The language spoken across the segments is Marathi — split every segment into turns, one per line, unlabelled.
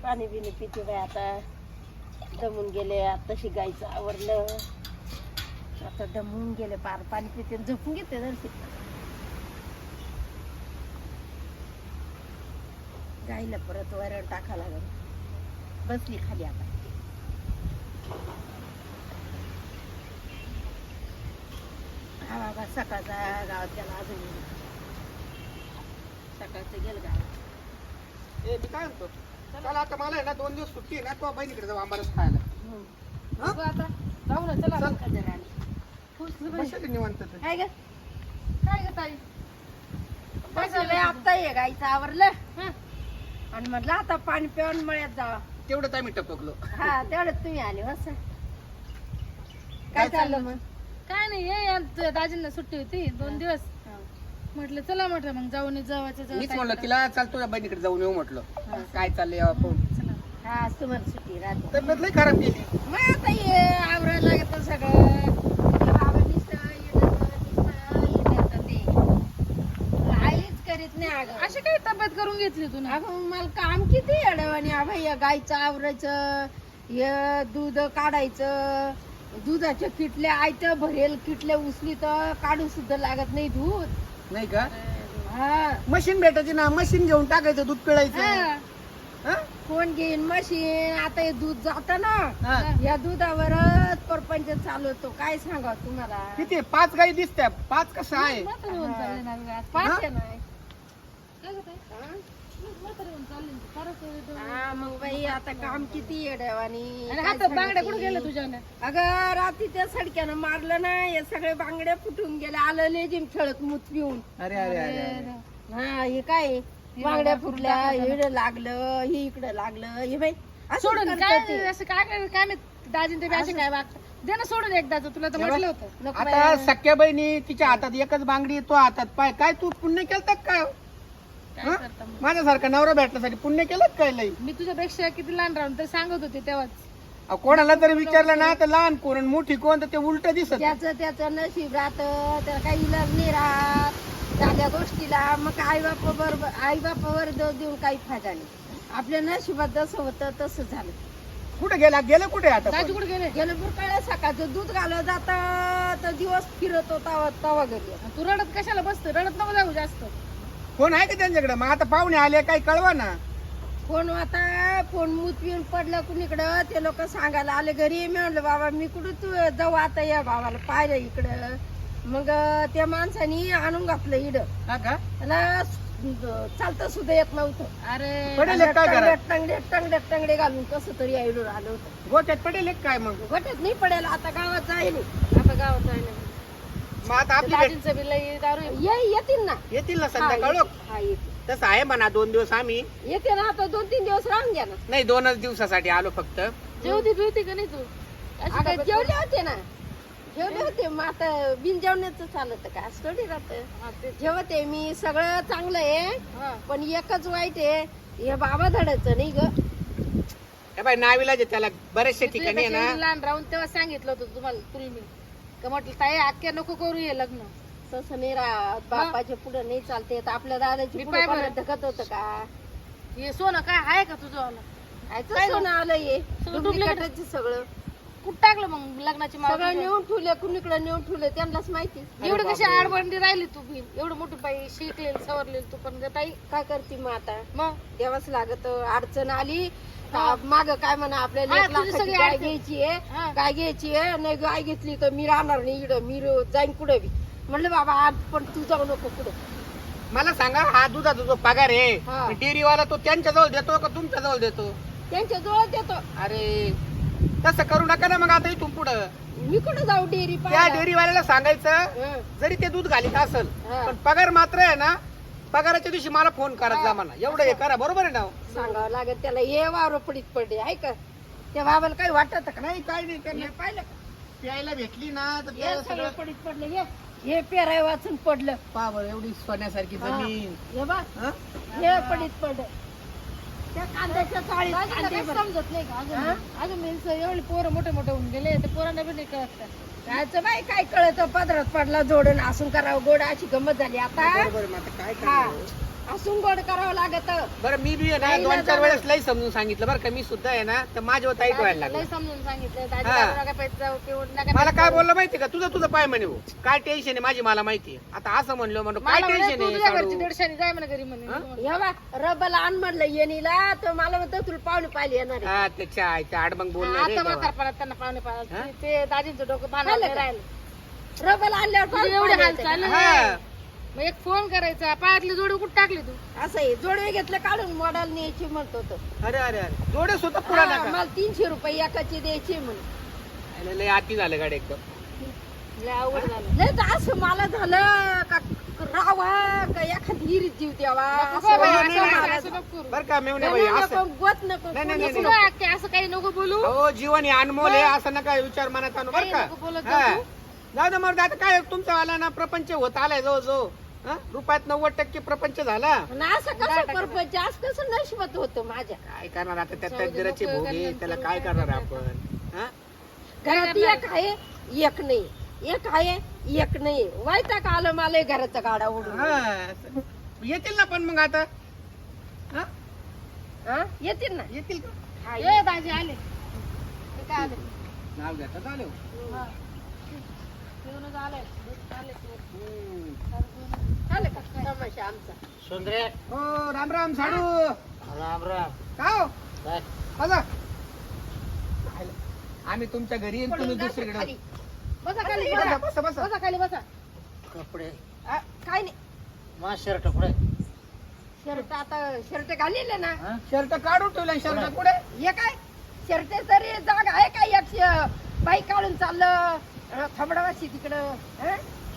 पाणी बिनी पिते बाई आता. दमून गेले आताशी गायचं आवरलं. आता दमून गेले पार पाणी पिते झोपून घेते जरशी. गाईला परत वरण टाका लागल. बसली खाली आता. हा बाबा सकाळचा गावात गेला अजून सकाळचं गेलं गावात.
ए मी काय म्हणतो चला आता मला आहे ना 2 दिवस सुट्टी आहे ना तो बहिणीकडे जाऊ आंबारस खायला.
बघू आता जाऊ ना चला
चल.
कधी राणी.
कशाला निवांत तर?
काय ग काय ग ताई काय झालंय आता ये गाईचं आवरलं आणि म्हटलं आता पाणी पिऊन मळ्यात जावा.
तेवढंच आम्ही टपकलो.
हा तेवढंच तुम्ही आले बस. काय चाललं मग?
काय नाही हे तुझ्या दाजींना सुट्टी होती 2 दिवस म्हटलं चला म्हटलं मग जाऊन जवळच्या
मीच म्हणलं तिला चाल तुझ्या बहिणीकडे जाऊन येऊ म्हटलं. काय चाललंय आपण
हा तुम्हाला सुट्टी राहते.
तब्येत लई खराब केली.
मग आता ये आवरायला लागत सगळं. ते बाबा नुसतं येण्याचं ते काहीच करीत नाही अगं.
अशी काही तब्येत करून घेतली तू ना
अगं मला काम किती अडवाणी अभय या गाईचं आवरायचं हे दूध काढायचं दुधाच्या किटल्या आयतं भरेल किटल्या उचली तर काढू सुद्धा लागत नाही दूध.
नाही का
हा
मशीन भेटायची ना मशीन घेऊन टाकायचं दूध पिळायचं. हा?
कोण घेईन मशीन आता हे दूध जात ना
हा.
या दुधावरच परपंच चालवतो. काय सांगा तुम्हाला.
किती 5 गाई दिसत्या 5 कसं आहे.
म्हातारी होऊन चालली ना गं आज.
पाच आहे ना.
काय गं ताई? म्हातारी होऊन चालली ना. खरंच आहे तो.
हा मग बाई आता काम किती येड्यावानी.
आणि हातात बांगड्या कुठे गेल्या तुझ्याने?
अगं रात्री त्या सडक्यानं मारलं ना हे सगळे बांगड्या फुटून गेले. आलं लेजिम खेळत मूत पिऊन.
अरे अरे अरे अरे.
हा हे काय बांगड्या फुटल्या इकडे लागलं हे इकडे लागलं हे बाई असं
सोडून
करतात
काय
ते.
असं काय काय मी दाजीन ते बी असे काय वागतात दे ना सोडून एकदाच तुला तर म्हटलं होतं
नको
आता
बाई.
सख्या बहिणी तिच्या हातात एकच बांगडी तो हातात पाय काय तू पुण्य केलं काय
काय
हा?
करता मग?
माझ्यासारखा नवरा भेटण्यासाठी पुण्य केलं काय लई.
मी तुझ्यापेक्षा किती लहान राहून तर सांगत होते तेव्हाच
अहो, कोणाला जरी विचारलं ना तर लहान कोण आणि मोठी कोण तर ते उलट दिसत.
त्याचं नशीब राहतं त्याला काही इलाज नाही राहत साध्या गोष्टीला. मग आई बापावर दोष देऊन काही फायदा नाही. आपल्या नशिबात जसं होतं तसं झालं.
कुठे गेलं कुठे आता
दाजी कुठे गेले
गेलं बुरकाळ्या सकाळचं दूध घालत जात तर दिवस फिरत होता तवा घरी.
तू रडत कशाला बसतो रडत नको जाऊ जास्त
कोण आहे का त्यांच्याकडे. मग आता पाहुणे आले काही कळवा ना.
फोन आता फोन मूत पिऊन पडलं कुणीकडं ते लोक सांगायला आले घरी. मी म्हणलं बाबा मी कुठं तू जाऊ आता या बाबाला पाहिलं इकडं. मग त्या माणसानी आणून घातलं इड.
हा का
त्याला चालतं सुद्धा येत नव्हतं.
अरे
पडेल एक काय करा
टंगडे घालून कसं तरी आईडून आलं होतं.
गोट्यात पडेल एक काय मग.
गोट्यात नाही पडेल आता गावात जाईल. आता गावात जाईल
मग आता आपली भेट
दाजींचं बी लई दारू आहे.
येतील ना.
येतील ना
हा,
संध्याकाळ.
येतील. हा, येतील.
तसं आहे म्हणा 2 दिवस आम्ही
येते ना आता 2-3 दिवस राहून घ्या ना.
नाही 2च दिवसासाठी आलो फक्त.
जेवती बिवती का नाही तू अशी
अगं
तब्येत
जेवले होते ना जेवले होते. मग आता बिन जेवण्याचं चालत का असं थोडी राहतं.
हा, ते-
जेवते मी सगळं चांगलं आहे
हा.
पण एकच वाईट आहे हे बाबा धडायचं नाही ग.
हे बाई नावीला त्याला बरेचशे
मी
ठिकाणी आहे
तुझ्यापेक्षा
ना.
लहान राहून तेव्हा सांगितलं होतं तुम्हाला तुला मी का म्हटलं ताई आख्या नको करू हे लग्न
तसं नाही राहत. बापाच्या पुढे नाही चालते तर आपल्या दादाची
मी
पुढे
पाय बरं.
कोणाला धकत होतं का.
हे सोनं काय आहे का तुझं वालं?
काय सोनं आलं हे
सगळं
डुप्लिकेटच सगळं
कुठं टाकलं मग लग्नाची माळ
सगळं
तुझ्या?
नेऊन ठेवले कुणीकडे नेऊन ठेवले त्यांनाच माहिती.
एवढी कशी आडबंडी राहिली तू बी एवढं मोठी बाई शिकलेली सवरलेली तू पण गं ताई
काय करते मग आता
मग
द्यावंच लागत. अडचण आली माग काय म्हणा आपल्याला
हा,
1
तुझी
लाखाची
सगळी
गाय
अडचण.
घ्यायची आहे.
हा.
गाय घ्यायची आहे नाही गाय घेतली तर मी राहणार नाही इकडं मी जाईन कुठं बी. म्हणलं बाबा आज पण तू जाऊ नको कुठं.
मला सांगा हा दुधाचा जो पगार
हा.
आहे डेअरीवाला तो त्यांच्या जवळ देतो का तुमच्या जवळ देतो.
त्यांच्या जवळ देतो.
अरे तसं करू नका ना. मग आता इथून पुढं
मी कुठं जाऊ डेअरी
त्या डेअरीवाल्याला सांगायचं जरी ते दूध घालीत असेल
हा.
पण पगार मात्र आहे ना पगाराच्या दिवशी मला फोन करत जा म्हणा. एवढं हे करा बरोबर आहे ना.
सांगावं लागेल त्याला ये वावर पडीत पडले आहे का. त्या बाबाला काही वाटत का
नाही काय नाही
हे
त्यांना
पाहिलं का?
प्यायला भेटली ना तर
हे
त्याला
सगळं
सगळं
पडीत पडलं हे पेराय वाचून पडलं.
पावर एवढी सोन्यासारखी जमीन.
हे बा
हा?
हे पडीत पडलं. त्या कांद्याच्या चाळीत
दाजीला
कांदे
काही
भर-
समजत नाही का
हा?
अजून मी एवढे पोरं मोठे मोठे होऊन गेले ते पोरांना बी नाही कळत का
कायचं बाई काय कळत पदरात पडला जोडून असून करावं गोड अशी गंमत झाली आता.
बरोबर आहे, मग आता काय
हा.
करणार?
हसून गोड करावं लागत.
बरं मी बी आहे ना
नाही ना
2-4
जाणार.
वेळेस लई समजून सांगितलं बरं का, मी सुद्धा आहे ना तर माझ्या ताईट व्हायला
लय
लागलं.
समजून सांगितलं दाजी
हा.
दारू नका पेट जाऊ पिऊन नका
मला
पेट
काय
जाऊ.
बोललं माहिती का, तुझं पाय म्हणे भाऊ. काय टेन्शन आहे माझी मला माहिती आहे. आता असं म्हणलो काय
मला म्हणे,
टेन्शन
तू
आहे
तुझ्या घरची
साडू?
150 जाय म्हणा घरी म्हणे.
हा?
हे बा रबल आण म्हणलं येणीला तर मला म्हणतो तुला पाहुणे पाहिले येणार आहे.
हा त्याच्या आईच्या आडमंग बोलणार रे
आता
तेव्हा.
म्हातारपणात त्यांना पाहुणे
हा?
पाहिजे ते दाजींचं डोकं भांडण
खाल्लं का?
राहिलं.
रबल आणल्यावर
तुझे
पाहुणे
एवढे हाल
पाहिले
चालले
हा.
ना. मग एक फोन करायचा, पायातली जोडी कुठं टाकली तू?
येतात. असं आहे जोडवे घेतलं काढून मॉडेल न्यायची म्हणतो तो.
अरे अरे अरे जोडे सुद्धा पुरा
हा,
नका.
मला 300 रुपये एकाची द्यायची म्हणून.
अरे, लय आती झालं गाडी एकदम.
लय अवघड झालं.
नाही तर असं मला झालं का रावा का एखादी हिरीत जीव द्यावा
नको
असं
बाई,
वाटलं
असं
मला.
असं नको करू.
बरं का मेवणे
नाही,
बाई
नाही,
असं
नको, गोत नको,
नाही, नाही,
कोणीच
नाही,
नको
नको.
आत्या, असं काही नको बोलू.
हो जीवन हे अनमोल आहे असं नका विचार मनात आणू बरं
काही
का.
नको बोलत
हा.
जाऊ.
जाऊ दे मग आता काय तुमचा आला ना प्रपंच होत आलाय जो जो हा? रुपयात 90% प्रपंच झाला.
आणि असं कसं परपंच असं कसं नशिबत होतं माझ्या
काय करणार आता त्या
जाऊ दे,
तकदीराची
नको
भोगी
करणार,
त्याला
करू
काय
काय
करणार
करणार
आपण हा?
घरात एक आहे एक नाही, एक आहे एक नाही. वायता का आलं मला घराचा गाडा उडून.
हा. येतील ना पण मग आता हा?
हा? येतील ना.
येतील का
हा,
ये दाजी आले. ते काय आले?
नाव घेता चालेल.
हा. पिऊनच आले. आले ते.
आलं का तमाशा आमचा.
सुंदरे
हो राम राम साडू.
राम राम
का हो
काय
बसा. आम्ही तुमच्या घरी येईन, तुम्ही
पडून जातं
दुसरीकडे
खाली.
बसा खाली
बसा
बसा.
बसा बसा.
बसा खाली बसा.
कपडे
हा, काय नाही
मा शर्ट कुठे
शर्ट आता शर्ट घालेले ना.
हा?
शर्ट काढून ठेवला शर्ट पुढे.
हे काय शर्ट तरी जागा आहे काय एक बाई काढून चाललं थबडावाशी तिकडं. हा?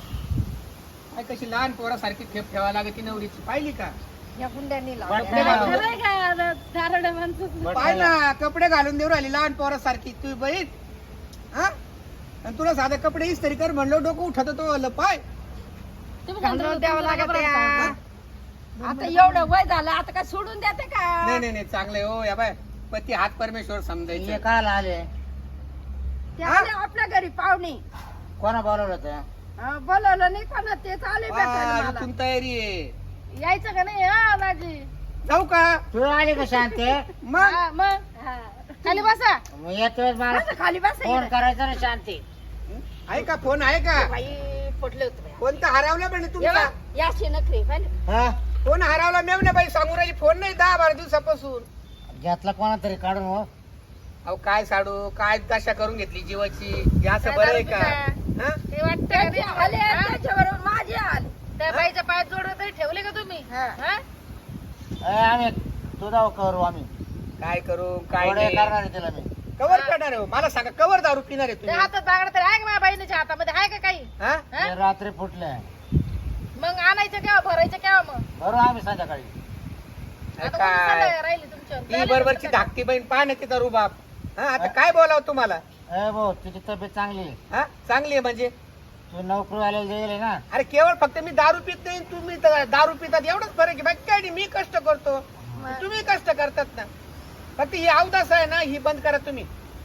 काय कशी लहान पोरासारखी खेप ठेवा लागती नवरीची पाहिली का.
या गुंड्यांनी
बरं,
लावल्या.
बरं.
खरंय का आता धारड माणसं?
पाय ना कपडे घालून देऊ राहिली लहान पोरासारखी तू बहीण हा. आणि तुला साधे कपडे इस्त्री कर म्हणलो डोकं उठत तो आलं पाय.
तुम्ही
घालून
सांगा,
द्यावं
तुम्ही
लागत
बरोबर
या.
सांगा.
आता एवढं वय झालं आता काय सोडून देते का.
नाही नाही नाही चांगले हो या बाय पती हात परमेश्वर
हे
समजायचे.
काल आले
ते आले आपल्या घरी पाहुणे.
कोणा बोलवलं होतं
बोलवलं नाही कोणा तेच आले भेटायला मला.
तुम तयारी आहे.
यायचं का नाही हा दाजी?
जाऊ का
तू आली का शांते
मग.
हा, मग
हा.
खाली बसा.
मग येतो वेळेस मला
बसा खाली बसा
फोन
इकडे.
करायचा ना शांती.
आहे का फोन आहे का.
बाई पडलं होतं बाई.
कोणता हरवला म्हणे
ये
तुमचा.
बा, याशी नखरे पाहिलं.
हा
फोन हरवला मेवणे बाई सांगू राहिली फोन नाही 10-12 दिवसापासून.
घेतला कोणा तरी काढून हो
अहो काय साडू काय दशा करून घेतली जीवाची. हे असं बरं आहे का हा?
ते वाटतं का
त्याचे
नाही?
आले
हा?
त्याच्याबरोबर माझे आले.
त्या बाईच्या पायात जोडवे तरी ठेवले का तुम्ही?
हा.
हा?
आम्ही तुझा करू आम्ही
काय करू काय
थोडे
नाही.
करणार आहे तिला मी
कवर करणार आहे हो? मला सांगा कवर दारू पिणार आहे
ते
तुम्ही
हातात बागडा तरी आहे का माझ्या बहिणीच्या हातामध्ये आहे का काही?
हा?
हा?
ते रात्री फुटले
मग आणायचं केव्हा भरायचं केव्हा मग?
बरोबर आम्ही संध्याकाळी
आता कोणी
काय
सल्ला राहिली तुमच्यावर?
ती बरोबरची धाकटी बहीण पहा ना तिचा रुबाब. हा आता काय बोलावं तुम्हाला.
ए भाऊ तुझी तब्येत चांगली आहे.
हा चांगली आहे म्हणजे.
तू नोकरीवाल्याला दिले ना
अरे केवळ फक्त मी दारू पित नाही तुम्ही तर दारू पितात एवढंच फरक आहे. बाकी काय नाही. मी कष्ट करतो तुम्ही कष्ट करतात ना. फक्त ही अवदास आहे ना ही बंद करा तुम्ही.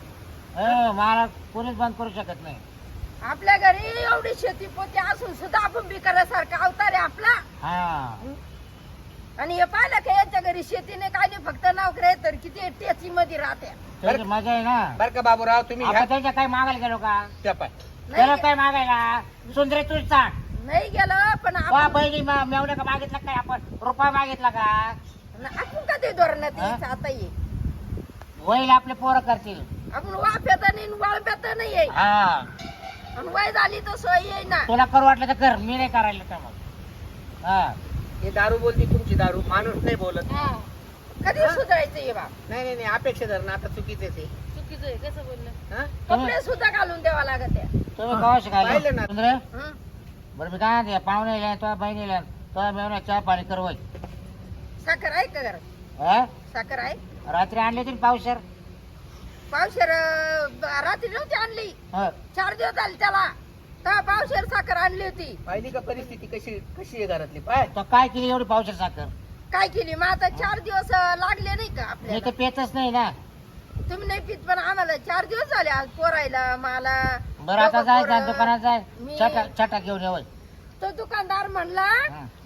मला कोणीच बंद करू शकत नाही.
आपल्या घरी एवढी शेती पोती असून सुद्धा आपण बिकारासारखा अवतार आहे आपला.
हा
आणि हे पाहिलं का याच्या घरी शेतीने काय नाही फक्त नोकऱ्या तर किती टेची मध्ये राहत्या.
त्याची मजा आहे ना.
बर का बाबूराव तुम्ही
आपण त्यांच्या काही मागायला गेलो का
ह्या पाय.
त्याला
नाही
काय मागायला सुंदरे तूच सांग
नाही गेलं पण
वा
आपण
बहिणी मेवण्या का मागितला काय आपण रुपया मागितला का
आपण कधी धोरणात
हा?
यायचं आता ये.
होईल आपले पोरं करतील.
आपण वाफ्यात नाही वाळप्यात नाही आहे.
हा
आणि वय झाली तर सोय येई ना.
तुला करू वाटलं तर कर मी नाही करायला तर मग हा
हे दारू बोलती तुमची दारू माणूस नाही बोलत.
हा.
कधी
हा?
सुधारायचं ये बा.
नाही नाही नाही अपेक्षा धरणं आता चुकीचे ते
चुकीचं आहे कसं बोललं?
हा?
कपडे सुद्धा घालून द्यावा लागत आहे.
तुम्ही कवा शिकायला
पाहिलं ना.
सुंदरे
हं?
बरं मी काय म्हणते पाहुणे तो बहिणीला तो मेवण्या चहा पाणी कर वय
साखर आहे का घरात?
हा
साखर आहे.
रात्री आणली होती पावशर
पावशेर रात्री नव्हती आणली.
हा
4 दिवस झाले त्याला. तेव्हा पावशेर साखर आणली होती.
पाहिली का परिस्थिती कशी कशी आहे घरातली पाय.
तो काय केली एवढी पावशर साखर
काय केली मग आता 4 दिवस लागले नाही का
मी
आपल्याला.
तर पेतच नाही ना.
तुम्ही नाही पित पण आम्हाला 4 दिवस झाले आज पोरायला मला.
बरं आता
दोघं
जाय
पोरं.
दुकानात जाय
मी-
छटा घेऊन ये वय
तो दुकानदार म्हणला
हा.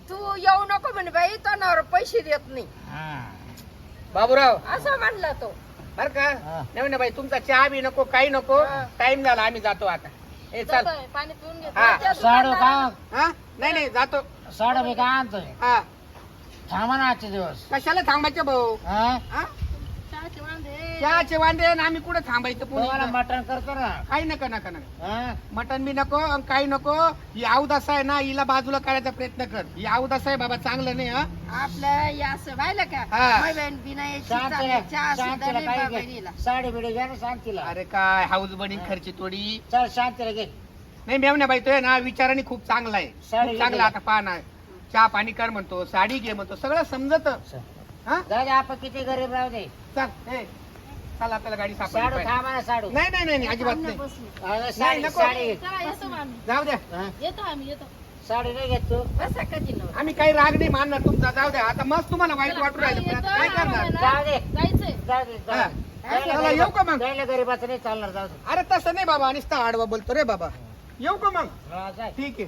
तू येऊ नको म्हणे बाई तो नवरा पैसे देत नाही
हा.
बाबूराव
असं म्हणला तो.
बर का
हा.
नाही ना बाई तुमचा चहा बी नको काही नको
हा.
टाइम झाला आम्ही जातो आता ए चल
जातोय, पाणी पिऊन घेतो.
हा
त्या
साडू
दुकानदाराला-
का
हा नाही नाही जातो
साडू मी काय आणतोय
हा
थांबा ना आजचे दिवस
कशाला थांबायचं भाऊ
हा?
हा
चहाचे वांदे.
चहाचे वांदे आणि आम्ही कुठे थांबायचं
तुम्हाला
पुणे
मटण करतो ना
काही नका नका नका
हा?
मटन बी नको आणि काही नको ही अवदास आहे ना हिला बाजूला काढायचा प्रयत्न कर ही अवदास आहे बाबा चांगलं नाही हा
आपलं हे असं व्हायला का
हा.
माझी बहीण बिना याची
शांतीला
चालली. चहा सुद्धा
शांतीला
नाही
काही
बहिणीला.
घे. साडी बिडी घ्या ना शांतीला
अरे काय हाऊस बनीन खर्ची थोडी
चल शांतीला घे
नाही मेवण्या बाई तो आहे ना विचाराने खूप चांगला आहे
साडी
खूप चांगला
घे.
आता पाहना चहा पाणी कर म्हणतो साडी घे म्हणतो सगळं समजत हा
दादा आपण किती गरीब राहू दे
चल ए चल आपल्याला गाडी
साडू
सापडली
थांबा ना साडू
नाही नाही नाही अजिबात नाही
बसली.
अरे साडी
नको.
साडी घे.
चला येतो मग आम्ही.
जाऊ द्या
हा?
येतो आम्ही येतो.
साडी नाही घेत तू
बसा कधी नवरा.
आम्ही काही राग नाही मानणार तुमचा जाऊ द्या आता मस्त तुम्हाला वाईट
चला,
वाटू राहिलं पण
येतो,
आता काय करणार
आम्हाला
जाऊ दे.
जायचंय.
जाऊ दे
हा.
जाऊ दे. त्याला
चला, येऊ का मग?
त्याला गरीबाचं नाही चालणार जाऊ दे
अरे तसं नाही बाबा नुसता आडवा बोलतो रे बाबा येऊ का मग
हा, जाय.
ठीक आहे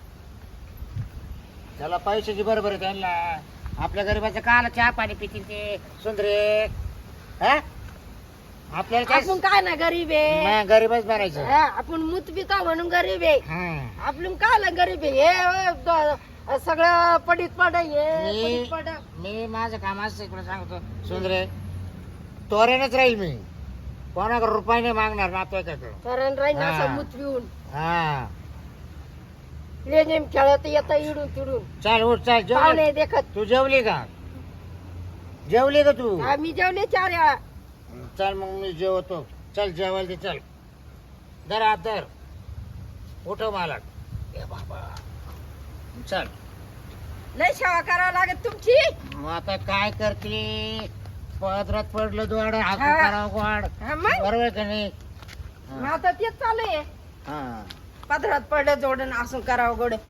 त्याला पैशाची बरोबर आहे त्यांना आपल्या गरीबाचं काला चहा पाणी पितील ते सुंदरे हा? आपल्याला काय
आपण काय ना गरीब आहे
नाही, गरीबच बनायचं
हा, आपण मूत पिता म्हणून गरीब आहे
हा.
आपण काय गरीब आहे हे सगळं पडीत पड हे
मी
पडीत पड
मी माझं काम असं इकडे सांगतो सुंदरे तोऱ्यानच राहील मी कोणाकडे रुपये नाही मागणार नातेवाईकाकडे
कारण राहील
हा.
असं मूत पिऊन
हा
लेनेम खेळत येतं इडून तिडून
चल उठ चल जेवली
पाहुणे देखत
तू जेवली का जेवली का तू
आम्ही जेवले 4 वेळा
चल मग मी जेवतो चल जेवायला दे चल दर हात धर उठव मला ए बाबा चल
लय सेवा करावं लागत तुमची
मग आता काय करते पदरात पडलं दोड हाकू
हा.
करावं गोड
हा, मग
बरोबर का नाही
मग आता तेच चालू आहे
हा
पदरात पडलं जोडून असं करावं गोड